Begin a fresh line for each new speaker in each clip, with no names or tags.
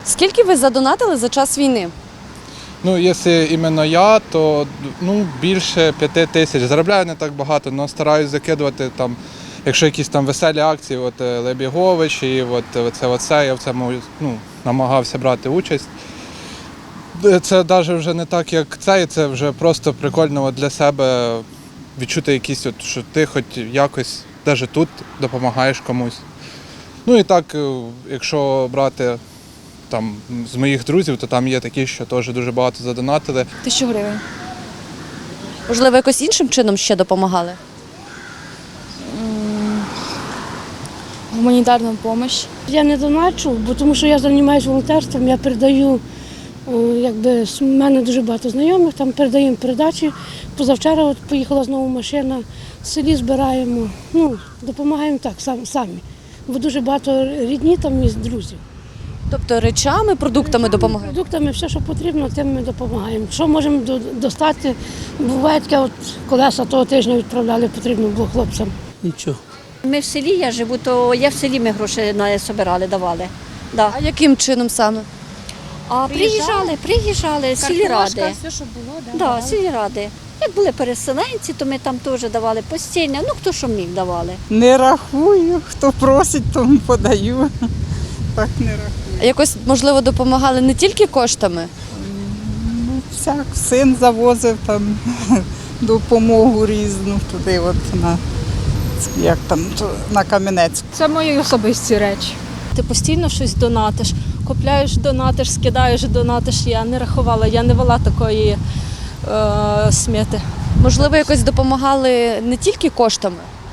Скільки ви задонатили за час війни?
Ну, якщо іменно я, то більше 5 тисяч. Заробляю не так багато, але стараюсь закидувати там, якщо якісь там веселі акції, от Лебігович і оце, я в цьому намагався брати участь. Це навіть вже не так, як це вже просто прикольно для себе відчути якісь, що ти хоч якось навіть тут допомагаєш комусь. Ну і так, якщо брати там з моїх друзів, то там є такі, що теж дуже багато задонатили.
1000 гривень. Можливо, якось іншим чином ще допомагали?
Гуманітарну допомогу. Я не доначу, бо тому що я займаюся волонтерством, я передаю, в мене дуже багато знайомих, там передаємо передачі. Позавчора поїхала знову машина, в селі збираємо, допомагаємо так, самі. Бо дуже багато рідні там і друзів.
Тобто речами, продуктами допомагаєте?
Продуктами, все, що потрібно, тим ми допомагаємо. Що можемо достати, буває таке, колеса того тижня відправляли, потрібно було хлопцям.
Нічого.
Ми в селі, я живу, то я в селі ми гроші збирали, давали. Да.
А яким чином саме?
А приїжджали сільради.
Все, що було,
Да, сільради. Як були переселенці, то ми там теж давали постійно, хто що міг давали.
Не рахую, хто просить, тому подаю. Так не рахую.
А якось, можливо, допомагали не тільки коштами?
Всяк син завозив там допомогу різну туди, на Кам'янець.
Це мої особисті речі. Ти постійно щось донатиш, купляєш, донатиш, скидаєш, донатиш. Я не рахувала, я не вела такої сміти.
Можливо, якось допомагали не тільки коштами?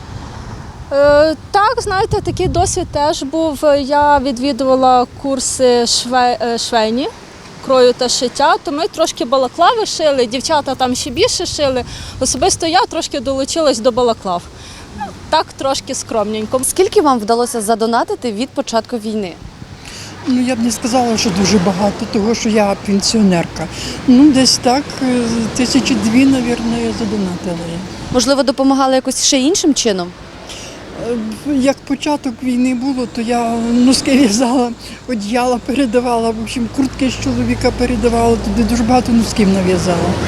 Так, знаєте, такий досвід теж був. Я відвідувала курси швейні, крою та шиття, то ми трошки балаклави шили, дівчата там ще більше шили. Особисто я трошки долучилась до балаклав. Так, трошки скромненько.
Скільки вам вдалося задонатити від початку війни?
Я б не сказала, що дуже багато, тому що я пенсіонерка. Десь так, 1002, мабуть, я задонатила.
Можливо, допомагали якось ще іншим чином?
Як початок війни було, то я носки в'язала, одіяла передавала, в общем, куртки з чоловіка передавала, туди дуже багато носків нав'язала.